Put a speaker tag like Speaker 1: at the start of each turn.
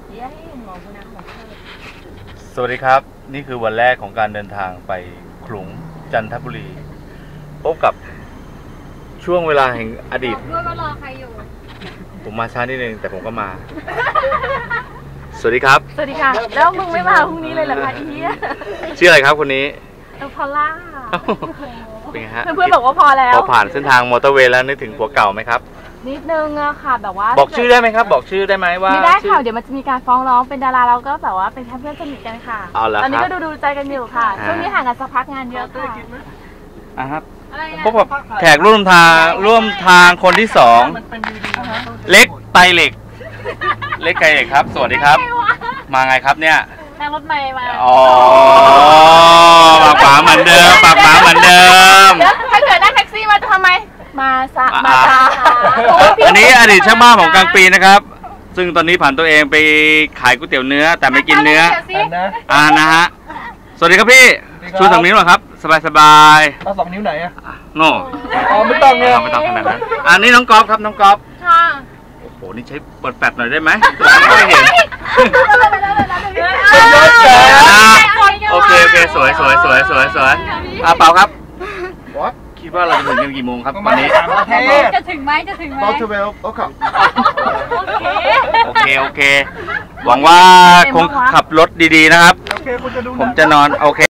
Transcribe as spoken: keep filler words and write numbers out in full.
Speaker 1: สวัสดีครับนี่คือวันแรกของการเดินทางไปขลุงจันทบุรีพบกับช่วงเวลาแห่งอดีตด้วยว่ารอใครอยู่ผมมาช้านิดนึงแต่ผมก็มาสวัสดีครับ
Speaker 2: สวัสดีค่ะแล้วมึงไม่มาพรุ่งนี้เลยเหรอคะอี
Speaker 1: ชื่ออะไรครับคนนี้
Speaker 2: เออพอล่า
Speaker 1: เป็นไงฮะ
Speaker 2: เพื่อนๆบอกว่าพอแล้ว
Speaker 1: พอผ่านเส้นทางมอเตอร์เวย์แล้วนึกถึงผัวเก่าไหมครับ
Speaker 2: นิดนึงอะค่ะแบบว่า
Speaker 1: บอกชื่อได้ไหมครับบอกชื่อได้ไหมว่า
Speaker 2: ไม่ได้ค่ะเดี๋ยวมันจะมีการฟ้องร้องเป็นดาราเราก็แบบว่าเป็นแค่เพื่อนสนิทกันค่ะตอนนี้ก็ดูดูใจกันอยู่ค่ะช่วงนี้ห่างกันสักพักงานเยอะค่ะ
Speaker 1: อ่ะครับพบกับแขกร่วมทางร่วมทางคนที่สองเล็กไตเหล็กเล็กไตเหล็กครับสวัสดีครับมาไงครับเนี่ย
Speaker 2: นั่งรถเมล์มา
Speaker 1: อ๋อปากหมาเหมือนเดิมปากหมาเหมือนเดิม
Speaker 2: ถ้าเกิดนั่งแท็กซี่มาจะทำไมมาซะมาจ้า
Speaker 1: อันนี้อดีตช่างบ้านของกลางปีนะครับซึ่งตอนนี้ผ่านตัวเองไปขายก๋วยเตี๋ยวเนื้อแต่ไม่กินเนื้ออ่านะฮะสวัสดีครับพี่ชูสองนิ้วหน่อยครับสบายสบาย
Speaker 3: เอาสองนิ้วไหนอะ
Speaker 1: โน่
Speaker 3: อ๋อไม่ต้องเลย
Speaker 1: ไม่ต้องขนาดนั้นอันนี้น้องก๊อฟครับน้องก๊อฟค่ะโอ้โหนี่ใช้เปิดแฟลชหน่อยได้ไหมไม่เห็นโอเคโอเคสวยสวยสวยสวยสวยอ่ะเปล่าครับคิดว่าเราจะถึงกันกี่โมงครับวันนี้
Speaker 2: จะถึงไหมจะถึงไหม
Speaker 3: บอลเทเวลโอเค
Speaker 1: โอเคโอเคหวังว่าคงขับรถดีๆนะครับผมจะนอนโอเค